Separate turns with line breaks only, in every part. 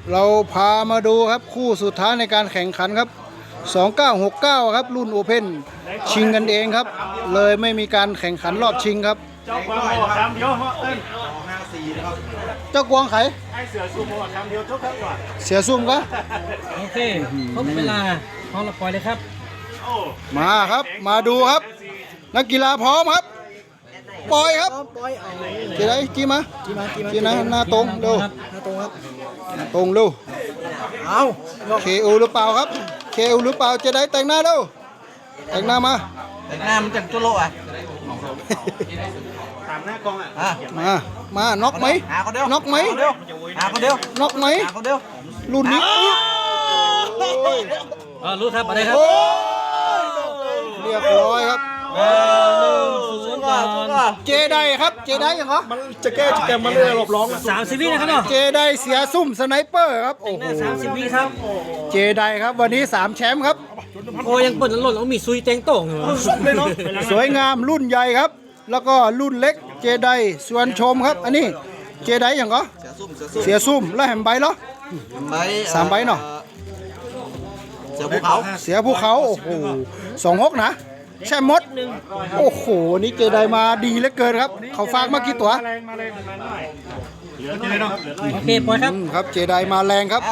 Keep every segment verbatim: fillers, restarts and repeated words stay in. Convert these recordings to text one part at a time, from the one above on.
เราพามาดูครับคู่สุดท้ายในการแข่งขันครับสองเก้าหกเก้าครับรุ่นโอเพ่นชิงกันเองครับเลยไม่มีการแข่งขันรอบชิงครับ
เจ้ากวางบอกคำเดียวเหาะเต้นห้าสี่นะครับ
เจ้ากวางไข
ไอเสือซูโม่คำเดียวทุกครั้งก่อน
เสียซุ่มก็
โอเคครบเวลาพร้อมแล้วปล่อยเลยครับ
มาครับมาดูครับนักกีฬาพร้อมครับปล่อยครับจีได้จีมาจีนะหน้าตรงเร็วหน้าตรงครับตรงเร็วเอาเคอูหรือเปล่าครับเคอูหรือเปล่าจะได้แต่งหน้าเร็วแต่งหน้ามา
แต่งหน้ามันจังจุโลอ่ะ
ตามหน้ากองอ่ะ
มามาน็อกไหมน็อกไหม
หาคนเดียว
น็อกไหม
หาคนเดียว
รุ่นนี้
เออรู้ครับอะไรครับ
เรียบร้อยครับเจไดครับเจไดยังเหรอ
มันจะแก้จะแก้มันเลยหลบร้อง
สามสิบวินะครับเนาะ
เจไดเสียซุ่มสไนเปอร์ครับโอ้โห
สามสิบวิครับ
เจไดครับวันนี้สามแชมป์ครับ
โอ้ยังเปิดหล่นแล้วมีซุยเต็งโต่งอยู่
สวยงามรุ่นใหญ่ครับแล้วก็รุ่นเล็กเจไดชวนชมครับอันนี้เจไดอย่างเหรอเสียซุ่มแล้วแหมใบเหรอสามใบเนาะ
เสียภูเขา
เสียภูเขาโอ้โหสองฮกนะแช่มดโอ้โหนี่เจไดมาดีเหลือเกินครับเขาฝากมากี่ตัว
โอเคปล่อยครับ
ครับเจไดมาแรงครับ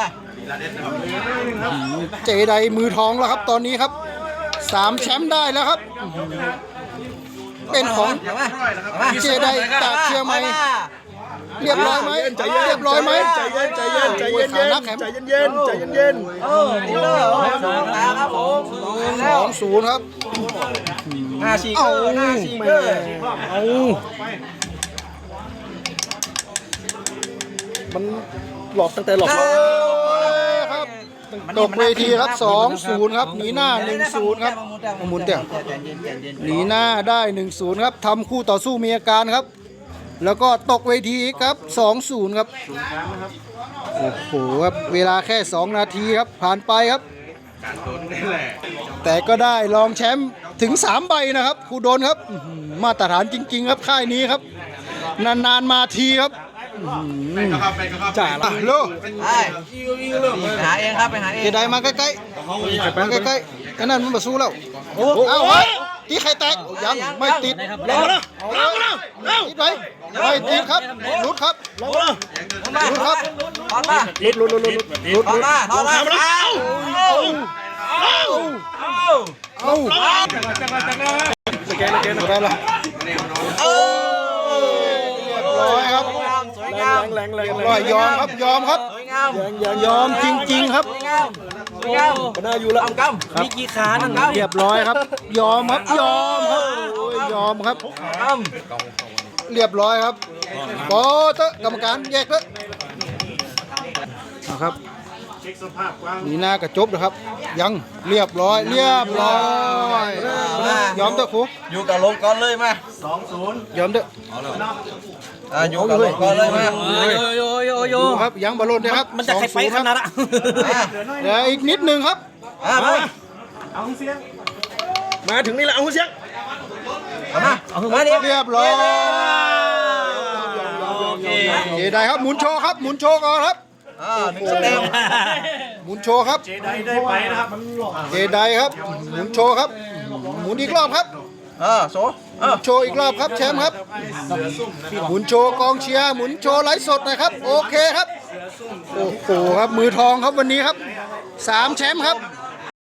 เจไดมือทองแล้วครับตอนนี้ครับสามแชมป์ได้แล้วครับเป็นของเจไดจากเชียงใหม่เรียบร้อยไหมเรียบร้อยไหม
ใจเย็นใจเย็นใจเย็นใจเย็นใจเย็นใจเย็นใจเย็น
เออดีเลยครับผม
สองศูนย์ครับ
ห้าสี่เกอร์ห้าสี่เกอร์
เอา
มันหลอกตั้งแต่หลอก
ครับตกเวทีครับสองศูนย์ครับหนีหน้าหนึ่งศูนย์ครับหมุนเตี่ยหนีหน้าได้หนึ่งศูนย์ครับทำคู่ต่อสู้มีอาการครับแล้วก็ตกเวทีครับสองศูนย์ครับโอ้โหครับเวลาแค่สองนาทีครับผ่านไปครับแต่ก็ได้รองแชมป์ถึงสามใบนะครับครูโดนครับมาตรฐานจริงๆครับค่ายนี้ครับนานๆมาทีครับจ่าละโล
ไปหาเองครับไปหาเอง
เจไดมาใกล้ๆมาใกล้ๆอันนั้นมันมาสู้แล้วเอาไว้ตีไข่แตกยังไม่ติด
ลงแล้วลงแล้ว
ติดไหมไม่ติดครับลุดครับ
ลงแล้ว
ลุดครับ
ถอนมา
ลุดลุดลุดลุดลุด
ถอนมาถอนมาเอาเอา
เอาเอา
สแกนสแกน
ได้ละ
เอ
อร้อยครับ
สวยงาม
แรงแรง
ร้อยยอมครับยอมครับ
สวยงาม
ยอมจริงๆครับ
สวยงามสวยงาม
ก็น่าอยู่แล้ว
กำ
มีกี่ขานั่น
เรียบร้อยครับยอมครับยอมครับยอมครับเรียบร้อยครับโปเตอร์กรรมการแยกเลยนะครับนี่หน้ากระจบนะครับยังเรียบร้อยเรียบร้อยยอมเถอะครู
อยู่กับลงก่อนเลยมา
สองศูนย์
ยอมเถอะ
อ่าอยู่กับลงก่อนเลยมา
โยโยโย
ครับยังบอลลูนนะครับ
มันจะใครไปขนาดอ่ะ
เดี๋ยวอีกนิดนึงครับ
เอาเสียงมาถึงนี่แหละเอาเสียง
มาเอามาดิ
เรียบร้อยเจไดครับหมุนโชว์ครับหมุนโชว์ก่อนครับ
อ่าหนึ่งสเต็ป
หมุนโชว์ครับ
เจไดได้ไปนะครับ
เจไดครับหมุนโชว์ครับหมุนอีกรอบครับ
เออโชว์
โชว์อีกรอบครับแชมป์ครับหมุนโชว์กองเชียร์หมุนโชว์ไลฟ์สดนะครับโอเคครับโอ้โหครับมือทองครับวันนี้ครับสามแชมป์ครับ